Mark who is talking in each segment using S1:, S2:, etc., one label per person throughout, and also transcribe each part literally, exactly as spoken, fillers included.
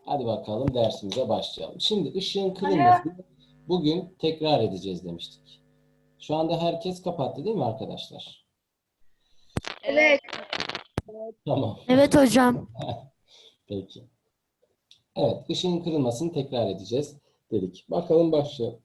S1: Hadi bakalım dersimize başlayalım. Şimdi ışığın
S2: Alo.
S1: kırılmasını bugün tekrar edeceğiz demiştik. Şu anda herkes kapattı değil mi arkadaşlar?
S2: Evet.
S1: Tamam.
S3: Evet hocam.
S1: Peki. Evet, ışığın kırılmasını tekrar edeceğiz dedik. Bakalım başlayalım.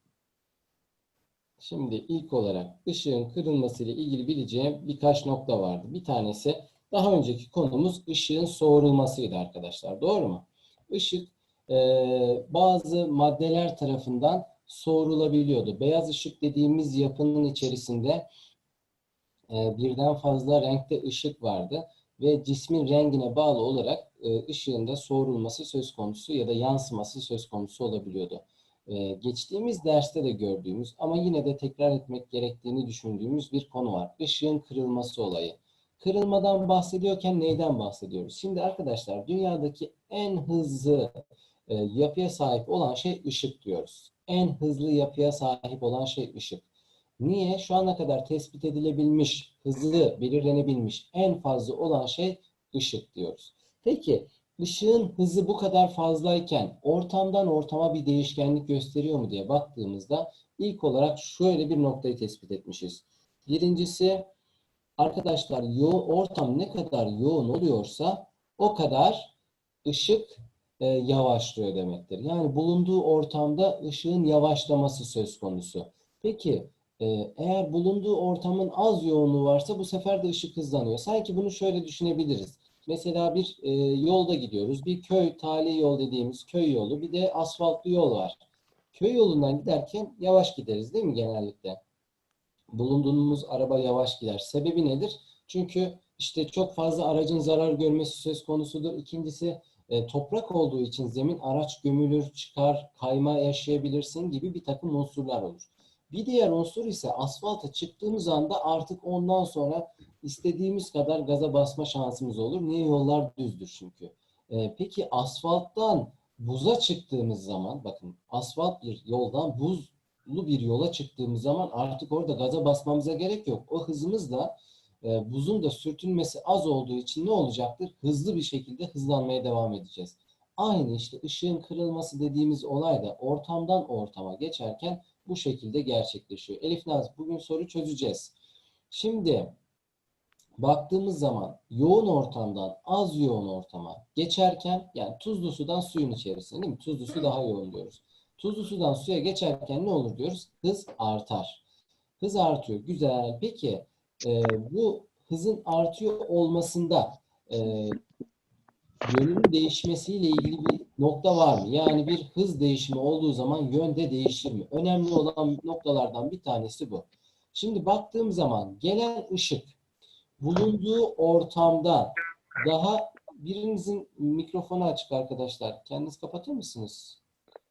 S1: Şimdi ilk olarak ışığın kırılması ile ilgili bileceğim birkaç nokta vardı. Bir tanesi daha önceki konumuz ışığın soğurulmasıydı arkadaşlar. Doğru mu? Işık e, bazı maddeler tarafından soğurulabiliyordu. Beyaz ışık dediğimiz yapının içerisinde e, birden fazla renkte ışık vardı ve cismin rengine bağlı olarak e, ışığın da soğurulması söz konusu ya da yansıması söz konusu olabiliyordu. E, geçtiğimiz derste de gördüğümüz ama yine de tekrar etmek gerektiğini düşündüğümüz bir konu var. Işığın kırılması olayı. Kırılmadan bahsediyorken neyden bahsediyoruz? Şimdi arkadaşlar dünyadaki en hızlı e, yapıya sahip olan şey ışık diyoruz. En hızlı yapıya sahip olan şey ışık. Niye? Şu ana kadar tespit edilebilmiş, hızlı belirlenebilmiş en fazla olan şey ışık diyoruz. Peki ışığın hızı bu kadar fazlayken ortamdan ortama bir değişkenlik gösteriyor mu diye baktığımızda ilk olarak şöyle bir noktayı tespit etmişiz. Birincisi arkadaşlar yoğun, ortam ne kadar yoğun oluyorsa o kadar ışık e, yavaşlıyor demektir. Yani bulunduğu ortamda ışığın yavaşlaması söz konusu. Peki e, eğer bulunduğu ortamın az yoğunluğu varsa bu sefer de ışık hızlanıyor. Sanki bunu şöyle düşünebiliriz. Mesela bir e, yolda gidiyoruz. Bir köy, tali yol dediğimiz köy yolu, bir de asfaltlı yol var. Köy yolundan giderken yavaş gideriz değil mi genellikle? Bulunduğumuz araba yavaş gider. Sebebi nedir? Çünkü işte çok fazla aracın zarar görmesi söz konusudur. İkincisi e, toprak olduğu için zemin araç gömülür, çıkar, kayma yaşayabilirsin gibi bir takım unsurlar olur. Bir diğer unsur ise asfalta çıktığımız anda artık ondan sonra istediğimiz kadar gaza basma şansımız olur. Niye? Yollar düzdür çünkü. E, peki asfalttan buza çıktığımız zaman, bakın asfalt bir yoldan buz bir yola çıktığımız zaman artık orada gaza basmamıza gerek yok. O hızımızla e, buzun da sürtünmesi az olduğu için ne olacaktır? Hızlı bir şekilde hızlanmaya devam edeceğiz. Aynı işte ışığın kırılması dediğimiz olay da ortamdan ortama geçerken bu şekilde gerçekleşiyor. Elif Naz, bugün soru çözeceğiz. Şimdi baktığımız zaman yoğun ortamdan az yoğun ortama geçerken yani tuzlu sudan suyun içerisine değil mi? Tuzlu su daha yoğun diyoruz. Tuzlu sudan suya geçerken ne olur diyoruz? Hız artar. Hız artıyor. Güzel. Peki e, bu hızın artıyor olmasında e, yönün değişmesiyle ilgili bir nokta var mı? Yani bir hız değişimi olduğu zaman yönde değişir mi? Önemli olan noktalardan bir tanesi bu. Şimdi baktığım zaman gelen ışık bulunduğu ortamda daha birinizin mikrofonu açık arkadaşlar. Kendiniz kapatır mısınız?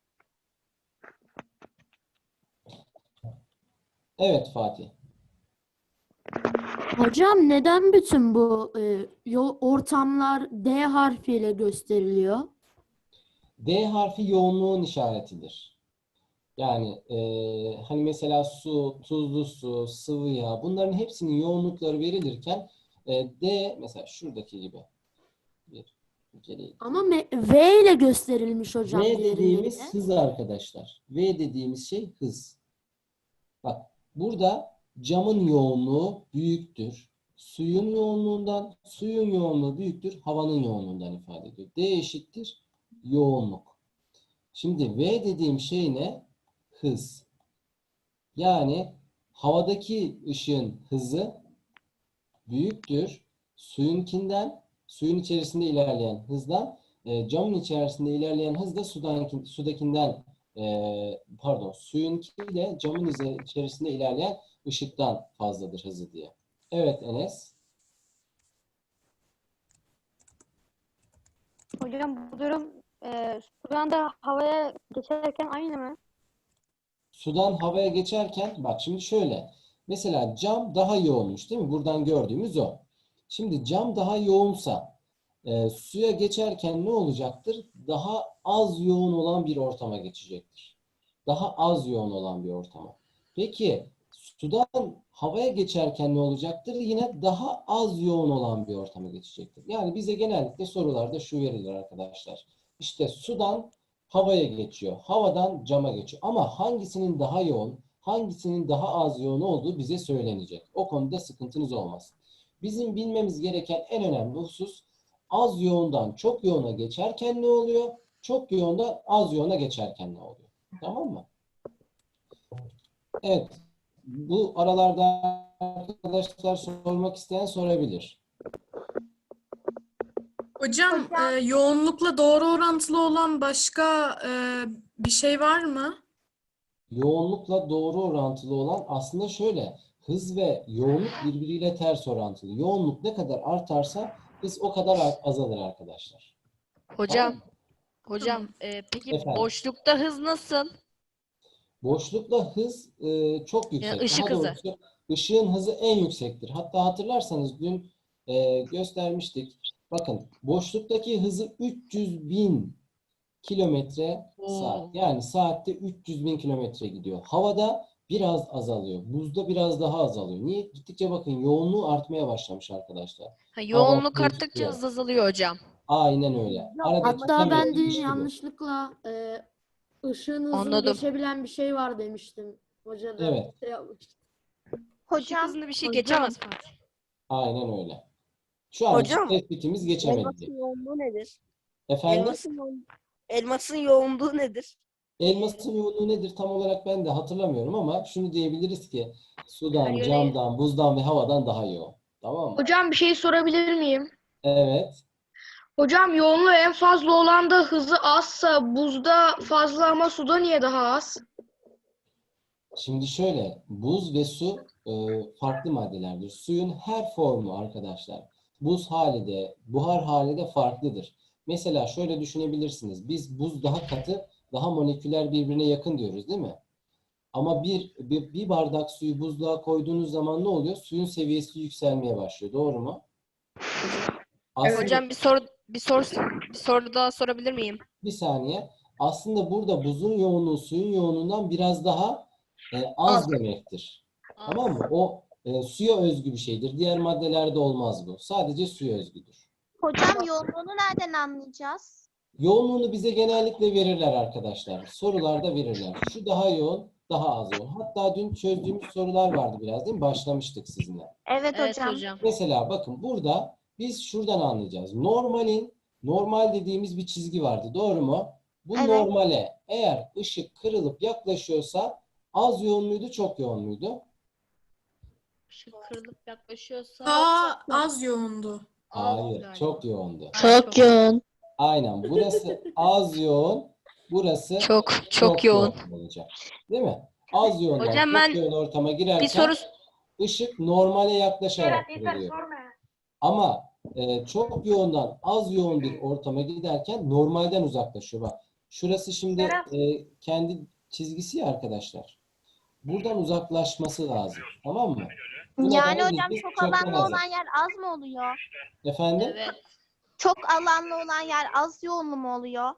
S1: Evet Fatih.
S3: Hocam neden bütün bu e, yol ortamlar D harfiyle gösteriliyor?
S1: D harfi yoğunluğun işaretidir. Yani e, hani mesela su, tuzlu su, sıvı yağ bunların hepsinin yoğunlukları verilirken e, D mesela şuradaki gibi bir geriye
S3: Ama
S1: gideyim.
S3: me- V ile gösterilmiş hocam
S1: V
S3: diğerinde.
S1: dediğimiz hız arkadaşlar. V dediğimiz şey hız. Bak burada camın yoğunluğu büyüktür. Suyun yoğunluğundan, suyun yoğunluğu büyüktür, havanın yoğunluğundan ifade ediyor. D eşittir yoğunluk. Şimdi V dediğim şey ne? Hız. Yani havadaki ışığın hızı büyüktür suyunkinden, suyun içerisinde ilerleyen hızdan, e, camın içerisinde ilerleyen hız da sudan, sudakinden e, pardon suyunkiyle camın içerisinde ilerleyen ışıktan fazladır hızı diye. Evet Enes.
S2: Hocam bu durum e, sudan da havaya geçerken aynı mı?
S1: Sudan havaya geçerken bak şimdi şöyle. Mesela cam daha yoğunmuş değil mi? Buradan gördüğümüz o. Şimdi cam daha yoğunsa e, suya geçerken ne olacaktır? Daha az yoğun olan bir ortama geçecektir. Daha az yoğun olan bir ortama. Peki sudan havaya geçerken ne olacaktır? Yine daha az yoğun olan bir ortama geçecektir. Yani bize genellikle sorularda şu verilir arkadaşlar. İşte sudan havaya geçiyor. Havadan cama geçiyor. Ama hangisinin daha yoğun, hangisinin daha az yoğun olduğu bize söylenecek. O konuda sıkıntınız olmaz. Bizim bilmemiz gereken en önemli husus az yoğundan çok yoğuna geçerken ne oluyor? Çok yoğundan az yoğuna geçerken ne oluyor? Tamam mı? Evet. Bu aralarda arkadaşlar sormak isteyen sorabilir.
S4: Hocam, e, yoğunlukla doğru orantılı olan başka e, bir şey var mı?
S1: Yoğunlukla doğru orantılı olan aslında şöyle. Hız ve yoğunluk birbiriyle ters orantılı. Yoğunluk ne kadar artarsa hız o kadar ar- azalır arkadaşlar.
S5: Hocam,
S1: Tamam mı?
S5: hocam, e, peki
S1: Efendim?
S5: boşlukta hız nasıl?
S1: Boşlukla hız e, çok yüksek.
S5: Yani ışık
S1: Daha
S5: hızı.
S1: doğrusu ışığın hızı en yüksektir. Hatta hatırlarsanız dün e, göstermiştik. Bakın boşluktaki hızı üç yüz bin kilometre saat.
S5: Oo.
S1: Yani saatte üç yüz bin kilometre gidiyor. Havada biraz azalıyor. Buzda biraz daha azalıyor. Niye? Gittikçe bakın yoğunluğu artmaya başlamış arkadaşlar.
S5: Ha, yoğunluk
S1: Hava,
S5: arttıkça
S1: buz,
S5: hız azalıyor hocam.
S1: Aynen öyle. Aradaki
S3: Hatta
S1: temel
S3: ben dün
S1: ilişki bu.
S3: yanlışlıkla e, ışığın hızını
S5: Anladım.
S3: geçebilen bir şey var demiştim. Hoca da
S1: Evet.
S3: şey yapmıştı.
S5: Işık
S6: Hocam,
S5: hızında bir şey
S2: hocam.
S5: geçemez Fatih.
S1: Aynen öyle. Şu an
S6: Hocam,
S1: tespitimiz geçemedi.
S6: elmasın yoğunluğu nedir?
S1: Efendim?
S6: Elmasın yoğun- elmasın yoğunluğu nedir?
S1: Elmasın yoğunluğu nedir tam olarak ben de hatırlamıyorum ama şunu diyebiliriz ki sudan,
S5: Her yöne-
S1: camdan, buzdan ve havadan daha yoğun. Tamam mı?
S7: Hocam bir şey sorabilir miyim?
S1: Evet.
S7: Hocam yoğunluğu en fazla olan da hızı azsa buzda fazla ama suda niye daha az?
S1: Şimdi şöyle, buz ve su e, farklı maddelerdir. Suyun her formu arkadaşlar, buz hali de, buhar hali de farklıdır. Mesela şöyle düşünebilirsiniz. Biz buz daha katı, daha moleküler birbirine yakın diyoruz, değil mi? Ama bir, bir, bir bardak suyu buzluğa koyduğunuz zaman ne oluyor? Suyun seviyesi yükselmeye başlıyor. Doğru mu? Aslında,
S5: Hocam bir soru bir soru bir soru daha sorabilir miyim?
S1: bir saniye. Aslında burada buzun yoğunluğu suyun yoğunluğundan biraz daha e, az demektir. Tamam mı? O e, suya özgü bir şeydir. Diğer maddelerde olmaz bu. Sadece suya özgüdür.
S8: Hocam yoğunluğunu nereden anlayacağız?
S1: Yoğunluğunu bize genellikle verirler arkadaşlar. Sorularda verirler. Şu daha yoğun, daha az yoğun. Hatta dün çözdüğümüz sorular vardı biraz, değil mi? Başlamıştık sizinle.
S8: Evet,
S5: Evet
S8: hocam.
S5: hocam.
S1: Mesela bakın burada biz şuradan anlayacağız. Normalin, normal dediğimiz bir çizgi vardı. Doğru mu? Bu
S8: Evet.
S1: normale eğer ışık kırılıp yaklaşıyorsa az yoğun muydu, çok yoğun muydu?
S5: Işık kırılıp yaklaşıyorsa
S4: Daha az yoğundu.
S5: az
S1: Hayır,
S5: galiba.
S1: çok yoğundu.
S5: Çok
S6: yoğun.
S1: Aynen. Burası az yoğun, burası
S5: Çok çok,
S1: çok
S5: yoğun.
S1: olacak. Değil mi? Az yoğundan
S5: Hocam
S1: çok
S5: ben
S1: yoğun ortama girerken
S5: Bir soru
S1: ışık normale yaklaşarak kırılıyor. Ama e, çok yoğundan az yoğun bir ortama giderken normalden uzaklaşıyor. Bak, şurası şimdi e, kendi çizgisi ya arkadaşlar. Buradan uzaklaşması lazım. Tamam mı? Buna
S8: Yani
S1: da ne
S8: hocam
S1: dedik?
S8: çok
S1: Çoktan
S8: alanlı
S1: azal.
S8: olan yer az mı oluyor?
S1: Efendim?
S5: evet.
S8: Çok alanlı olan yer az yoğunlu mu oluyor?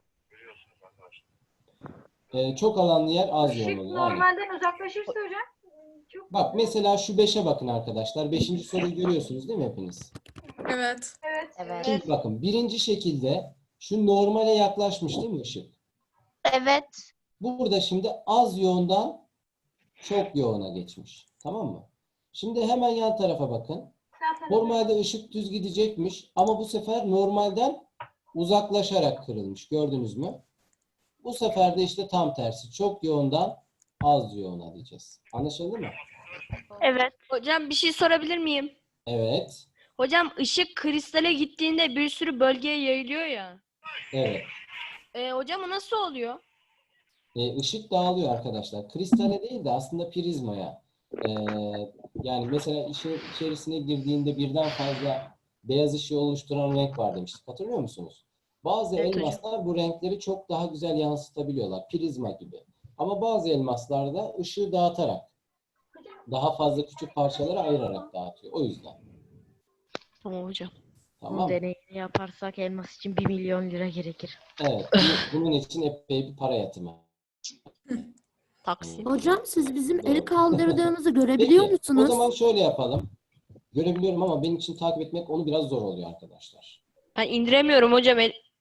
S1: E, çok alanlı yer az yoğun
S9: Işık
S1: oluyor. Aynen.
S9: normalden uzaklaşırsa hocam çok
S1: Bak mesela şu beşe bakın arkadaşlar. Beşinci soruyu görüyorsunuz değil mi hepiniz?
S4: Evet.
S9: evet.
S8: Evet.
S1: Şimdi bakın birinci şekilde şu normale yaklaşmış değil mi ışık?
S8: Evet.
S1: Burada şimdi az yoğundan çok yoğuna geçmiş. Tamam mı? Şimdi hemen yan tarafa bakın. Normalde ışık düz gidecekmiş ama bu sefer normalden uzaklaşarak kırılmış. Gördünüz mü? Bu sefer de işte tam tersi. Çok yoğundan az yoğuna diyeceğiz. Anlaşıldı mı?
S8: Evet.
S5: Hocam bir şey sorabilir miyim?
S1: Evet.
S5: Hocam ışık kristale gittiğinde bir sürü bölgeye yayılıyor ya.
S1: Evet.
S5: E, hocam o nasıl oluyor?
S1: E, ışık dağılıyor arkadaşlar. Kristale değil de aslında prizmaya. E, yani mesela işin içerisine girdiğinde birden fazla beyaz ışığı oluşturan renk var demiştik. Hatırlıyor musunuz? Bazı
S5: Evet hocam.
S1: elmaslar bu renkleri çok daha güzel yansıtabiliyorlar. Prizma gibi. Ama bazı elmaslar da ışığı dağıtarak, daha fazla küçük parçalara ayırarak dağıtıyor. O yüzden.
S5: Tamam hocam.
S1: Tamam
S10: Bunun
S1: mı?
S10: deneyini yaparsak elmas için bir milyon lira gerekir.
S1: Evet. bu- Bunun için epey bir para yatımı.
S5: Taksim.
S3: Hocam siz bizim el
S1: Doğru.
S3: kaldırdığımızı görebiliyor
S1: Peki, o
S3: musunuz?
S1: zaman şöyle yapalım. Görebiliyorum ama benim için takip etmek onu biraz zor oluyor arkadaşlar.
S5: Ben indiremiyorum hocam. El...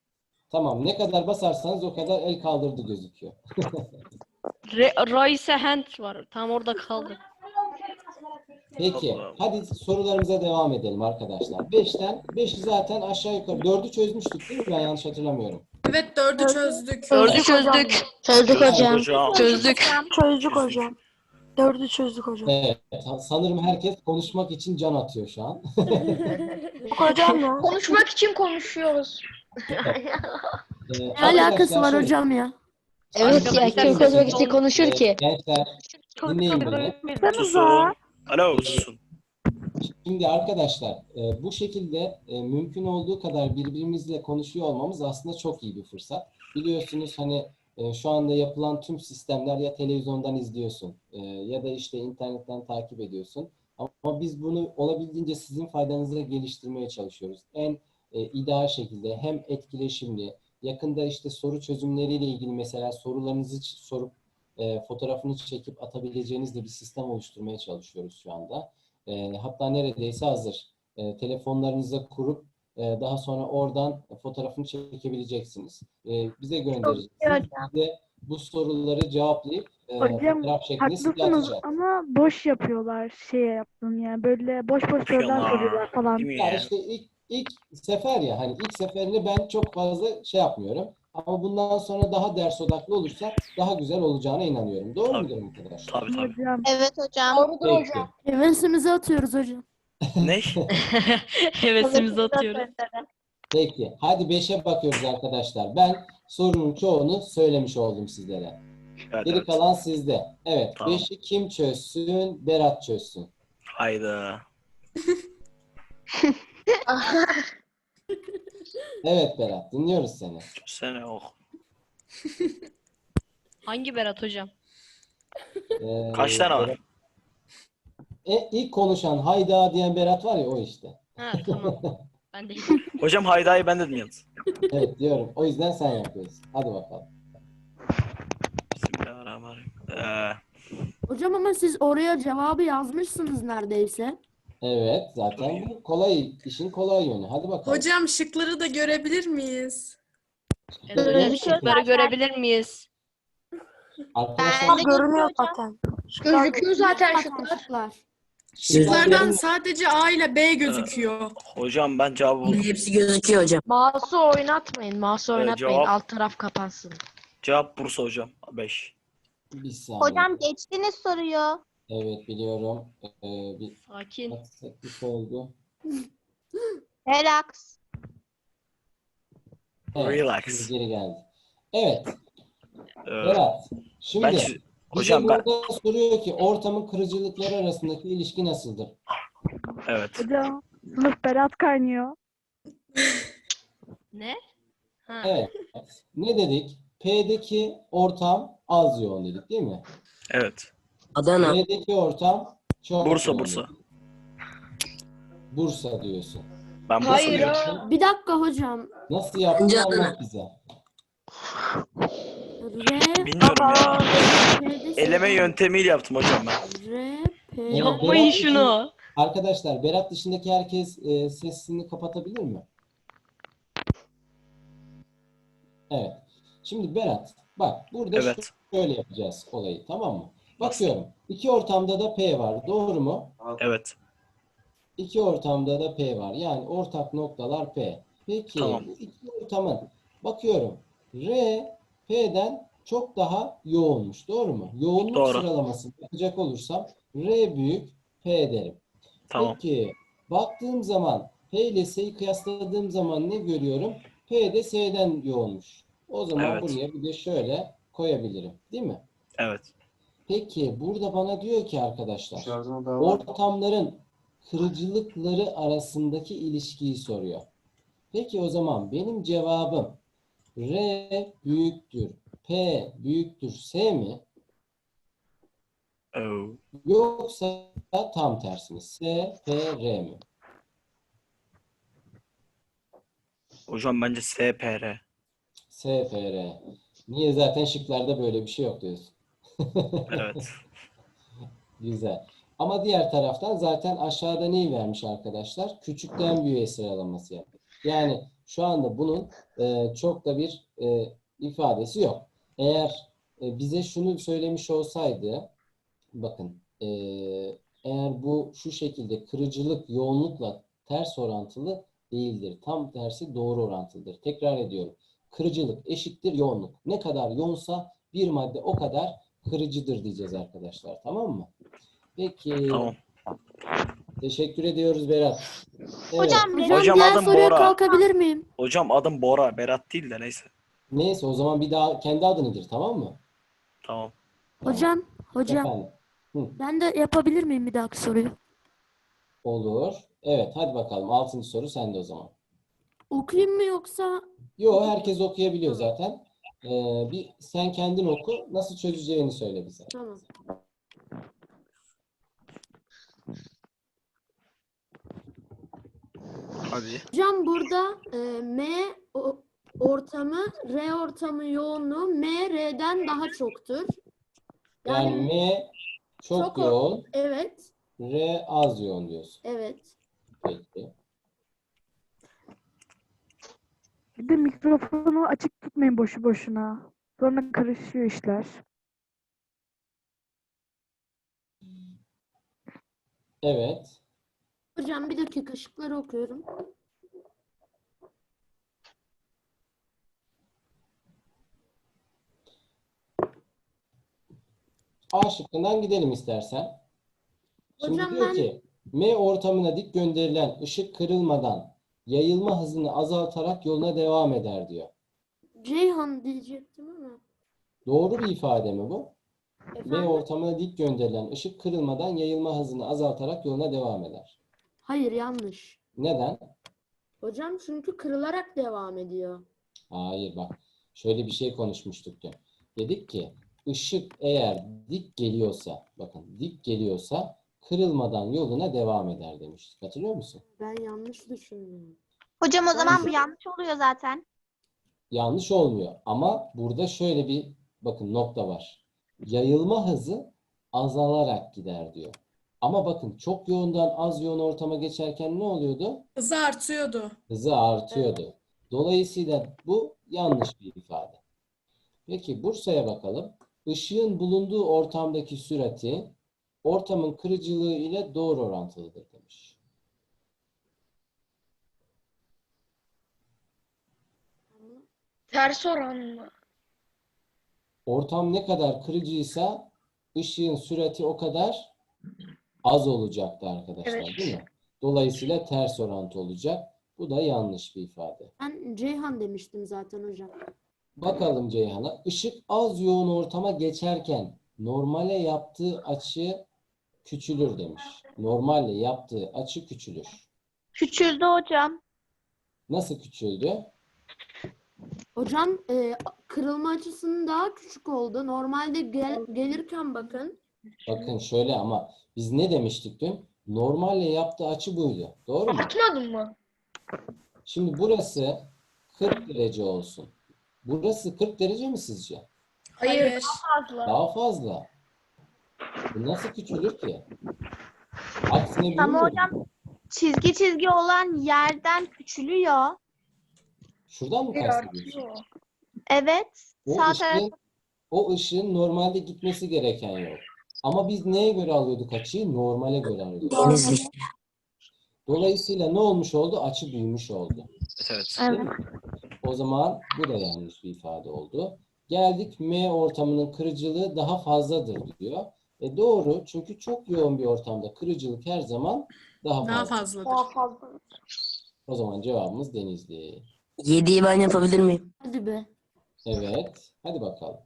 S1: Tamam. Ne kadar basarsanız o kadar el kaldırdı gözüküyor.
S5: Re Raise hand var. Tam orada kaldı.
S1: Peki. Hadi sorularımıza devam edelim arkadaşlar. beşten beşi zaten aşağı yukarı. dördü çözmüştük değil mi? Ben yanlış hatırlamıyorum.
S4: Evet, dördü çözdük.
S5: Dördü çözdük.
S7: Çözdük hocam.
S5: Çözdük.
S7: Çözdük hocam. Dördü çözdük hocam.
S1: Evet. Sanırım herkes konuşmak için can atıyor şu an.
S7: Hocam ya. Konuşmak için konuşuyoruz.
S1: Ee,
S3: Ne alakası
S1: arkadaşlar
S3: var
S1: şöyle,
S3: hocam ya?
S10: Evet ya,
S5: Arkadaşlar,
S10: kim konuşmak için
S1: e,
S10: konuşur ki?
S1: Gençler dinleyin beni.
S11: Susun. Alo susun.
S1: Şimdi arkadaşlar e, bu şekilde e, mümkün olduğu kadar birbirimizle konuşuyor olmamız aslında çok iyi bir fırsat. Biliyorsunuz hani e, şu anda yapılan tüm sistemler ya televizyondan izliyorsun e, ya da işte internetten takip ediyorsun. Ama biz bunu olabildiğince sizin faydanıza geliştirmeye çalışıyoruz. En e, ideal şekilde hem etkileşimli, yakında işte soru çözümleriyle ilgili mesela sorularınızı ç- sorup e, fotoğrafını çekip atabileceğiniz de bir sistem oluşturmaya çalışıyoruz şu anda. E, hatta neredeyse hazır. E, telefonlarınıza kurup e, daha sonra oradan fotoğrafını çekebileceksiniz. E, bize göndereceksiniz. Biz de bu soruları cevaplayıp e,
S9: Hocam,
S1: fotoğraf şeklinde size
S9: Haklısınız
S1: atacağız.
S9: ama boş yapıyorlar şey yaptım yani böyle boş boş sorular
S11: Yapıyorlar.
S9: soruyorlar falan.
S11: Değil mi
S1: Ya
S11: ya?
S1: işte ilk, ilk sefer ya hani ilk seferini ben çok fazla şey yapmıyorum. Ama bundan sonra daha ders odaklı olursa daha güzel olacağına inanıyorum. Doğru
S11: Tabii.
S1: mudur arkadaşlar?
S11: Tabii tabii.
S9: Hocam
S8: Evet hocam.
S1: Peki.
S3: Hevesimizi atıyoruz hocam.
S11: Ne?
S5: Hevesimizi atıyoruz.
S1: Peki. Hadi beşe bakıyoruz arkadaşlar. Ben sorunun çoğunu söylemiş oldum sizlere.
S11: Evet,
S1: Geri
S11: evet.
S1: kalan sizde. Evet.
S11: Tamam.
S1: beşi kim çözsün? Berat çözsün.
S11: Hayda.
S1: Evet Berat. Dinliyoruz seni.
S11: Sene ok.
S5: Hangi Berat hocam?
S1: Ee,
S11: Kaç tane var?
S1: Berat- E, ilk konuşan hayda diyen Berat var ya o işte.
S5: Ha tamam. Ben de
S11: Hocam haydayı ben dedim yalnız.
S1: Evet diyorum. O yüzden sen yapıyorsun. Hadi bakalım.
S11: Bismillahirrahmanirrahim. Ee,
S3: Hocam ama siz oraya cevabı yazmışsınız neredeyse.
S1: Evet. Zaten bu kolay. işin kolay yönü. Hadi bakalım.
S4: Hocam şıkları da görebilir miyiz?
S5: Hocam şıkları görebilir miyiz?
S1: Arkadaşlar
S8: Ben de görünüyor
S7: zaten. Gözüküyor zaten şıklar.
S3: Şıklar.
S4: Şıklardan sadece A ile B gözüküyor.
S11: hocam ben cevabı buldum.
S10: Hepsi gözüküyor hocam. Mouse'u oynatmayın. Mouse'u
S11: Evet,
S10: oynatmayın.
S11: cevap-
S10: Alt taraf kapansın.
S11: Cevap Bursa hocam. beş.
S1: bir saniye.
S8: Hocam geçtiniz soruyu.
S1: Evet biliyorum. Ee, bir
S5: Sakin.
S1: aksaklık oldu.
S8: Relax.
S1: Evet,
S11: Relax.
S1: şimdi geri geldi. Evet.
S11: Ee,
S1: Berat. Şimdi
S11: ben
S1: bize
S11: çö- hocam ben
S1: burada soruyor ki ortamın kırıcılıkları arasındaki ilişki nasıldır?
S11: evet.
S9: Hocam sınıf Berat kaynıyor.
S5: Ne? Ha.
S1: Evet. Ne dedik? P'deki ortam az yoğun dedik değil mi?
S11: Evet.
S10: Adana.
S1: B'deki ortam çok
S11: Bursa
S1: yoğun
S11: Bursa.
S1: dedik. Bursa diyorsun.
S11: Ben Bursa
S7: Hayır
S11: diyorum.
S7: ha.
S3: Bir dakika hocam.
S1: Nasıl yaptın
S10: Bence
S1: anlat
S10: Adana.
S1: bize.
S3: R,
S11: Bilmiyorum ya.
S3: P'de
S11: Eleme
S3: şey-
S11: yöntemiyle yaptım hocam ben.
S3: R, P.
S1: Evet,
S5: Yapmayın
S1: Berat
S5: şunu.
S1: Arkadaşlar Berat dışındaki herkes e, sesini kapatabilir mi? Evet. Şimdi Berat bak burada
S11: Evet.
S1: şöyle yapacağız olayı tamam mı? Bakıyorum. İki ortamda da P var. Doğru mu?
S11: Evet.
S1: İki ortamda da P var. Yani ortak noktalar P. Peki
S11: Tamam.
S1: bu iki ortamın bakıyorum. R P'den çok daha yoğunmuş. Doğru mu? Yoğunluk
S11: Doğru.
S1: sıralamasını yapacak olursam R büyük P derim.
S11: Tamam.
S1: Peki baktığım zaman P ile S'yi kıyasladığım zaman ne görüyorum? P de S'den yoğunmuş. O zaman
S11: Evet.
S1: buraya bir de şöyle koyabilirim. Değil mi?
S11: Evet.
S1: Peki burada bana diyor ki arkadaşlar ortamların kırıcılıkları arasındaki ilişkiyi soruyor. Peki o zaman benim cevabım R büyüktür P büyüktür S mi?
S11: Oo.
S1: Yoksa tam tersi mi? S, P, R mi?
S11: Hocam bence S P R.
S1: S, P, R. Niye zaten şıklarda böyle bir şey yok diyorsun.
S11: Evet.
S1: Güzel. Ama diğer taraftan zaten aşağıda neyi vermiş arkadaşlar? Küçükten büyüğe sıralaması yapıyor. Yani Şu anda bunun e, çok da bir e, ifadesi yok. Eğer e, bize şunu söylemiş olsaydı, bakın e, eğer bu şu şekilde kırıcılık yoğunlukla ters orantılı değildir. Tam tersi doğru orantılıdır. Tekrar ediyorum. Kırıcılık eşittir yoğunluk. Ne kadar yoğunsa bir madde o kadar kırıcıdır diyeceğiz arkadaşlar. Tamam mı? Peki.
S11: Tamam.
S1: Teşekkür ediyoruz Berat. Evet.
S8: Hocam,
S3: Hocam,
S11: Hocam
S3: diğer
S11: adım
S3: soruya
S11: Bora.
S3: kalkabilir miyim?
S11: Hocam adım Bora. Berat değil de neyse.
S1: Neyse o zaman bir daha kendi adını gir, tamam mı?
S11: Tamam.
S3: Hocam, hocam
S1: Efendim. Hı,
S3: ben de yapabilir miyim bir dahaki soruyu?
S1: olur. Evet, hadi bakalım. Altıncı soru sende o zaman.
S3: Okuyayım mı yoksa?
S1: Yo, herkes okuyabiliyor zaten. Ee, bir sen kendin oku. Nasıl çözeceğini söyle bize.
S3: Tamam.
S11: Hadi.
S3: Hocam burada e, M o- ortamı, R ortamı yoğunluğu M, R'den daha çoktur.
S1: Yani
S3: Yani
S1: M çok,
S3: çok o-
S1: yoğun,
S3: evet,
S1: R az yoğun diyorsun.
S3: evet.
S1: Peki.
S9: Bir de mikrofonu açık tutmayın boşu boşuna. Sonra karışıyor işler.
S1: Evet.
S3: Hocam bir dakika şıkları okuyorum.
S1: A şıkkından gidelim istersen. Şimdi
S3: Hocam
S1: diyor
S3: ben-
S1: ki M ortamına dik gönderilen ışık kırılmadan yayılma hızını azaltarak yoluna devam eder diyor.
S3: Ceyhan diyecektim ama.
S1: Doğru bir ifade mi bu? M
S3: Efendim?
S1: ortamına dik gönderilen ışık kırılmadan yayılma hızını azaltarak yoluna devam eder.
S3: Hayır, yanlış.
S1: Neden?
S3: Hocam çünkü kırılarak devam ediyor.
S1: Hayır bak. Şöyle bir şey konuşmuştuk dün. Dedik ki ışık eğer dik geliyorsa, bakın dik geliyorsa kırılmadan yoluna devam eder demiştik. Hatırlıyor musun?
S3: Ben yanlış düşündüm.
S8: Hocam o zaman bu
S3: Ben-
S8: yanlış oluyor zaten.
S1: Yanlış olmuyor. Ama burada şöyle bir bakın nokta var. Yayılma hızı azalarak gider diyor. Ama bakın çok yoğundan az yoğun ortama geçerken ne oluyordu?
S4: Hızı artıyordu.
S1: Hızı artıyordu. Dolayısıyla bu yanlış bir ifade. Peki Bursa'ya bakalım. Işığın bulunduğu ortamdaki sürati ortamın kırıcılığı ile doğru orantılıdır demiş.
S7: Ters oranlı.
S1: Ortam ne kadar kırıcıysa ışığın sürati o kadar az olacaktı arkadaşlar,
S7: Evet.
S1: değil mi? Dolayısıyla ters orantı olacak. Bu da yanlış bir ifade.
S3: Ben Ceyhan demiştim zaten hocam.
S1: Bakalım Ceyhan'a. Işık az yoğun ortama geçerken normale yaptığı açı küçülür demiş. Normalle yaptığı açı küçülür.
S8: Küçüldü hocam.
S1: Nasıl küçüldü?
S3: Hocam e, kırılma açısının daha küçük oldu. Normalde gel- gelirken bakın.
S1: Bakın şöyle ama biz ne demiştik dün? Normalle yaptığı açı buydu. Doğru mu?
S7: Atmadın mı?
S1: Şimdi burası kırk derece olsun. Burası kırk derece mi sizce?
S7: Hayır.
S1: Daha fazla. Bu nasıl küçülür ki? Aksine büyür
S8: Ama
S1: mü?
S8: hocam çizgi çizgi olan yerden küçülüyor.
S1: Şuradan mı
S7: Bir
S1: kastediyorsun?
S7: artıyor.
S8: Evet.
S1: O
S8: Sağ taraf.
S1: ışığın, o ışığın normalde gitmesi gereken yol. Ama biz neye göre alıyorduk açıyı? Normale göre alıyorduk.
S10: Denizli.
S1: Dolayısıyla ne olmuş oldu? Açı büyümüş oldu.
S11: Evet.
S1: Değil mi? O zaman bu da yanlış bir ifade oldu. Geldik M ortamının kırıcılığı daha fazladır diyor. E doğru, çünkü çok yoğun bir ortamda kırıcılık her zaman daha
S4: Daha
S1: fazla.
S4: fazladır.
S7: Daha fazla.
S1: O zaman cevabımız Denizli.
S10: Yediği ben yapabilir miyim?
S3: Hadi be.
S1: Evet, hadi bakalım.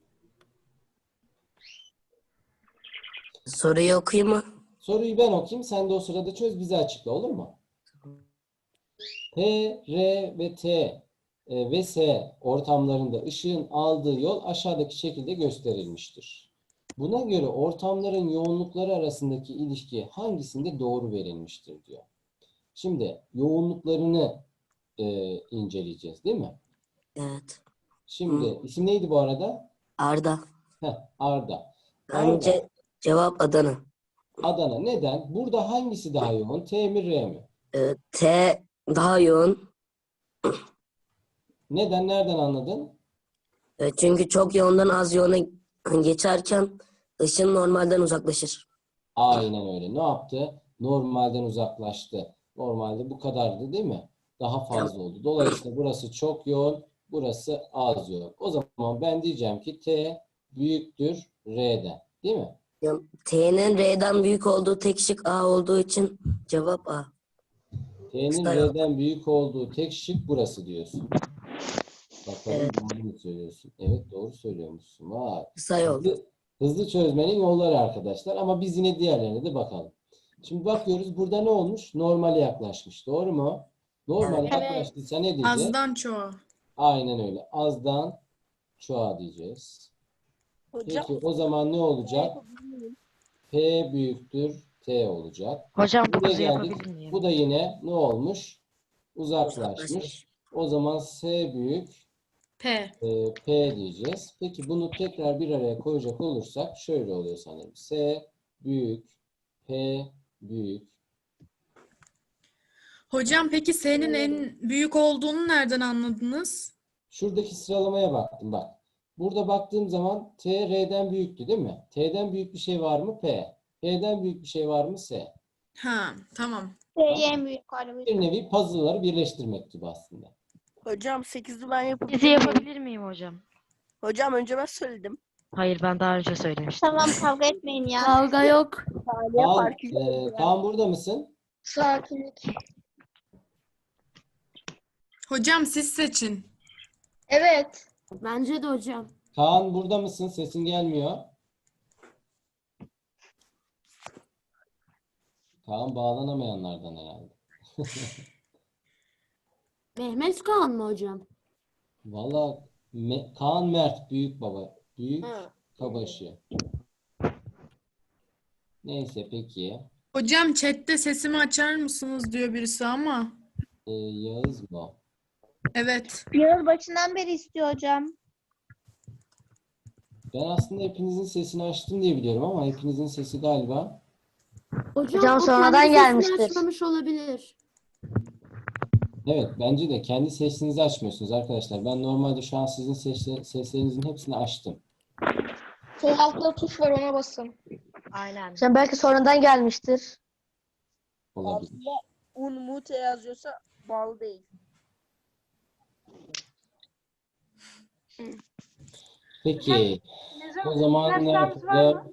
S10: Soruyu okuyayım mı?
S1: Soruyu ben okuyayım, sen de o sırada çöz, bize açıkla, olur mu? P, R ve T e, ve S ortamlarında ışığın aldığı yol aşağıdaki şekilde gösterilmiştir. Buna göre ortamların yoğunlukları arasındaki ilişki hangisinde doğru verilmiştir diyor. Şimdi yoğunluklarını e, inceleyeceğiz, değil mi?
S10: Evet.
S1: Şimdi isim neydi bu arada?
S10: Arda.
S1: Heh, Arda. Arda,
S10: Bence cevap Adana.
S1: Adana. Neden? Burada hangisi daha yoğun? T mi R mi?
S10: Ee, T daha yoğun.
S1: Neden? Nereden anladın?
S10: E, çünkü çok yoğundan az yoğuna geçerken ışın normalden uzaklaşır.
S1: Aynen öyle. Ne yaptı? Normalden uzaklaştı. Normalde bu kadardı değil mi? Daha fazla oldu. Dolayısıyla burası çok yoğun, burası az yoğun. O zaman ben diyeceğim ki T büyüktür R'den. Değil mi?
S10: Ya, T'nin R'den büyük olduğu tek şık A olduğu için cevap A.
S1: T'nin
S10: Kısa yol.
S1: R'den büyük olduğu tek şık burası diyorsun. Bakalım
S10: Evet.
S1: doğru mu söylüyorsun? Evet, doğru söylüyormuşsun. Vay.
S10: Kısa yol.
S1: Hızlı, hızlı çözmenin yolları arkadaşlar. Ama biz yine diğerlerine de bakalım. Şimdi bakıyoruz. Burada ne olmuş? Normale yaklaşmış. Doğru mu? Normale
S10: Evet.
S1: yaklaştıysa ne diyeceğiz?
S4: Azdan çoğa.
S1: Aynen öyle. Azdan çoğa diyeceğiz.
S6: Hocam
S1: Peki o zaman ne olacak? P büyüktür T olacak.
S5: Hocam
S1: Buraya
S5: dokuzu
S1: geldik.
S5: yapabilir miyim?
S1: Bu da yine ne olmuş? Uzaklaşmış.
S10: Uzaklaşmış.
S1: O zaman S büyük
S4: P.
S1: e, P diyeceğiz. Peki bunu tekrar bir araya koyacak olursak şöyle oluyor sanırım. S büyük P büyük.
S4: Hocam peki S'nin en büyük olduğunu nereden anladınız?
S1: Şuradaki sıralamaya baktım bak. Burada baktığım zaman T R'den büyüktü değil mi? T'den büyük bir şey var mı? P. P'den büyük bir şey var mı? S.
S4: Ha, tamam.
S8: En büyük harbi.
S1: Bir nevi puzzle'ları birleştirmek gibi aslında.
S6: hocam sekizli ben yapabilir
S5: Dizi
S6: miyim?
S5: yapabilir miyim hocam?
S6: Hocam önce ben söyledim.
S5: Hayır, ben daha önce söylemiştim.
S8: Tamam, kavga etmeyin ya.
S3: Kavga yok.
S6: Saniye
S1: Kaan,
S6: farkı.
S1: e, Kaan burada mısın?
S7: Sakinlik.
S4: Hocam siz seçin.
S7: Evet.
S3: Bence de hocam.
S1: Kaan burada mısın? Sesin gelmiyor. Kaan bağlanamayanlardan herhalde.
S3: Mehmet Kaan mı hocam?
S1: Valla Me- Kaan Mert büyük baba. Büyük
S3: Ha.
S1: babaşı. Neyse peki.
S4: Hocam chatte sesimi açar mısınız diyor birisi ama.
S1: E, Yağız mı? o?
S4: Evet.
S8: Yağız başından beri istiyor hocam.
S1: Ben aslında hepinizin sesini açtım diye biliyorum ama hepinizin sesi galiba.
S3: Hocam,
S7: Hocam
S3: o
S7: sonradan
S3: kendi sesini
S7: gelmiştir.
S3: açmamış olabilir.
S1: Evet, bence de kendi sesinizi açmıyorsunuz arkadaşlar. Ben normalde şu an sizin sesle- seslerinizin hepsini açtım.
S7: Sol altta tuş var, ona basın.
S5: Aynen.
S7: Sen belki sonradan gelmiştir.
S1: Olabilir.
S6: Aslında un mute yazıyorsa bağlı değil.
S1: Peki. O zaman ne yapalım?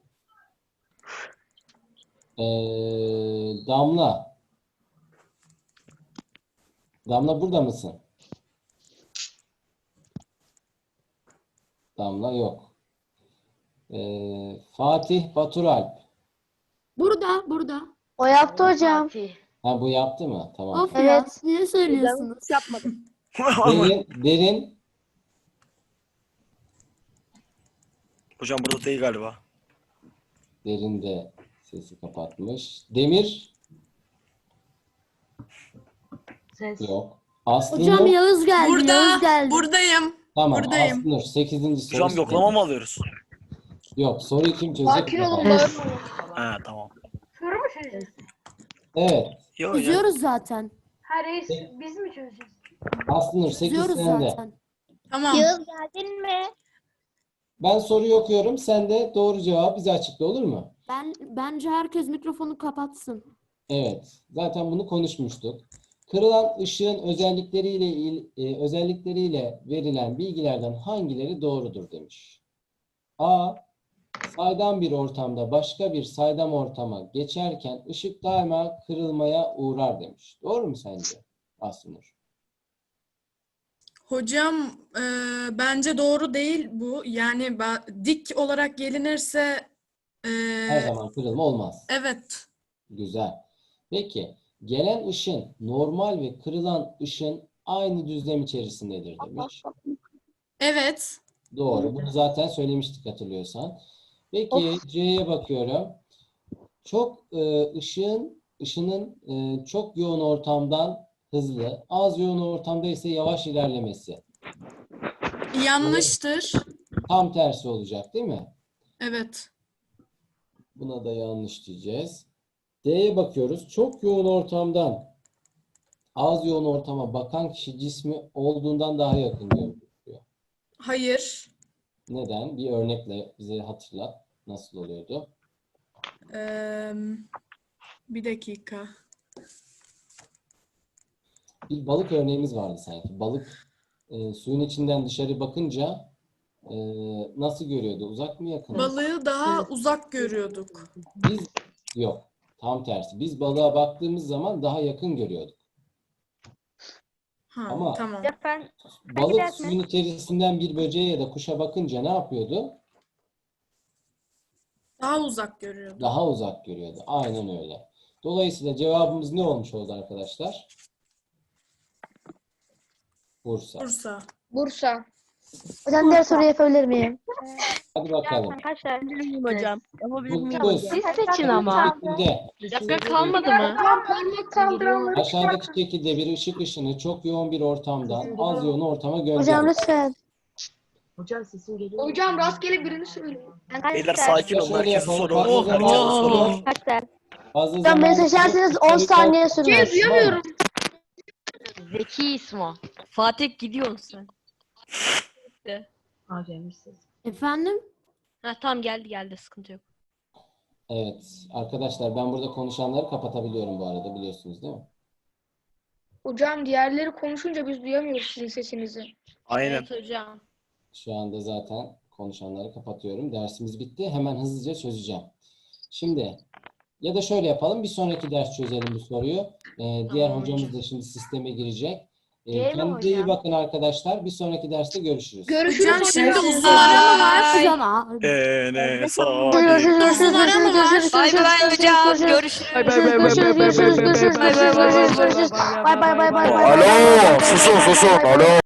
S1: Ee, Damla. Damla burada mısın? Damla yok. Ee, Fatih Baturalp.
S3: Burada, burada.
S7: O yaptı hocam.
S1: Ha, bu yaptı mı? Tamam.
S3: Of ya,
S7: Evet.
S3: niye söylüyorsunuz?
S6: Hiç yapmadım.
S1: Derin, derin.
S11: Hocam burada değil galiba.
S1: Derin de sesi kapatmış. Demir.
S5: Ses.
S1: Yok. Aslı
S3: Hocam
S1: Nur.
S3: Yağız geldi,
S4: Burada.
S3: Yağız geldi.
S4: Buradayım.
S1: Tamam.
S4: buradayım.
S1: Aslı Nur. Sekizinci soru.
S11: Hocam
S1: sizde.
S11: yoklama mı alıyoruz?
S1: Yok. Soruyu kim çözecek?
S7: Sakin olun
S1: bakalım.
S7: bağırmayın.
S11: Ha tamam.
S1: Evet.
S11: Yok ya.
S3: Çözüyoruz zaten.
S7: Ha reis, biz mi çözeceğiz?
S1: Aslı Nur. sekiz
S3: Çözüyoruz
S1: sende.
S3: zaten.
S4: Tamam.
S8: Yağız geldin mi?
S1: Ben soruyu okuyorum. Sen de doğru cevabı bize açıkla, olur mu?
S3: Ben bence herkes mikrofonu kapatsın.
S1: Evet. Zaten bunu konuşmuştuk. Kırılan ışığın özellikleriyle il- e, özellikleriyle verilen bilgilerden hangileri doğrudur demiş. A. Saydam bir ortamda başka bir saydam ortama geçerken ışık daima kırılmaya uğrar demiş. Doğru mu sence Aslı Nur?
S4: Hocam e, bence doğru değil bu. Yani ba- dik olarak gelinirse e,
S1: Her zaman kırılma olmaz.
S4: evet.
S1: Güzel. Peki, gelen ışın normal ve kırılan ışın aynı düzlem içerisindedir demiş.
S4: Evet.
S1: Doğru. Bunu zaten söylemiştik hatırlıyorsan. Peki C'ye bakıyorum. Çok e, ışığın ışının e, çok yoğun ortamdan hızlı, az yoğun ortamda ise yavaş ilerlemesi.
S4: Yanlıştır.
S1: Tam tersi olacak, değil mi?
S4: Evet.
S1: Buna da yanlış diyeceğiz. D'ye bakıyoruz. Çok yoğun ortamdan az yoğun ortama bakan kişi cismi olduğundan daha yakın görünüyor.
S4: Hayır.
S1: Neden? Bir örnekle bize hatırlat. Nasıl oluyordu?
S4: Ee, bir dakika.
S1: Bir balık örneğimiz vardı sanki. Balık e, suyun içinden dışarı bakınca e, nasıl görüyordu? Uzak mı, yakın mı?
S4: Balığı daha uzak görüyorduk.
S1: Biz yok. Tam tersi. Biz balığa baktığımız zaman daha yakın görüyorduk.
S4: Ha,
S1: Ama-
S4: tamam.
S2: Efendim,
S1: Balık
S2: gidersiniz.
S1: suyun içerisinden bir böceğe ya da kuşa bakınca ne yapıyordu?
S4: Daha uzak görüyorduk.
S1: Daha uzak görüyordu. Aynen öyle. Dolayısıyla cevabımız ne olmuş oldu arkadaşlar? Bursa.
S4: Bursa.
S7: Bursa.
S2: Hocam diğer soruyu yapabilir miyim?
S1: Hadi bakalım.
S2: Arkadaşlar.
S6: Hocam. Yapabilir miyim
S1: Dokuz.
S6: hocam?
S5: Siz seçin ama.
S1: Şekilde,
S5: Dakika kalmadı mı?
S7: Parmak kaldıranları
S1: aşağıdaki şekilde bir ışık ışını çok yoğun bir ortamdan az yoğun ortama
S2: Hocam
S1: gönderir.
S2: lütfen.
S7: Hocam rastgele birini söyleyin.
S11: Beyler sakin olun.
S1: Şöyle
S11: Herkes
S1: yapalım,
S11: soru.
S1: fazla
S11: Herkes
S1: zaman-
S11: soru.
S2: Arkadaşlar.
S1: Fazla
S2: Hocam beni
S1: zaman-
S2: seçerseniz on saniye sürmez.
S7: Şey duyamıyorum.
S5: Zeki İsmo. Fatih gidiyorsun sen.
S3: Efendim?
S5: Ha tamam geldi geldi sıkıntı yok.
S1: Evet. Arkadaşlar ben burada konuşanları kapatabiliyorum bu arada, biliyorsunuz değil mi?
S7: Hocam diğerleri konuşunca biz duyamıyoruz sizin sesinizi.
S11: Aynen.
S5: Evet hocam.
S1: Şu anda zaten konuşanları kapatıyorum. Dersimiz bitti. Hemen hızlıca çözeceğim. Şimdi ya da şöyle yapalım. Bir sonraki ders çözelim bu soruyu. Ee, diğer
S5: Tamam
S1: hocamız
S5: hocam.
S1: da şimdi sisteme girecek. Ee,
S2: Değil mi
S1: kendinize iyi
S2: hocam?
S1: bakın arkadaşlar. Bir sonraki derste görüşürüz.
S7: Görüşürüz
S4: Hocam şimdi
S7: hocam.
S4: uzun ara mı var?
S3: Hocam aa,
S11: Enes
S2: Görüşürüz, görüşürüz,
S4: Uzun ara mı var?
S5: Bay bay hocam. Görüşürüz.
S2: Görüşürüz, görüşürüz, görüşürüz, görüşürüz, görüşürüz, görüşürüz, görüşürüz. Bay bay bay bay bay.
S11: Alo, susun susun. Alo.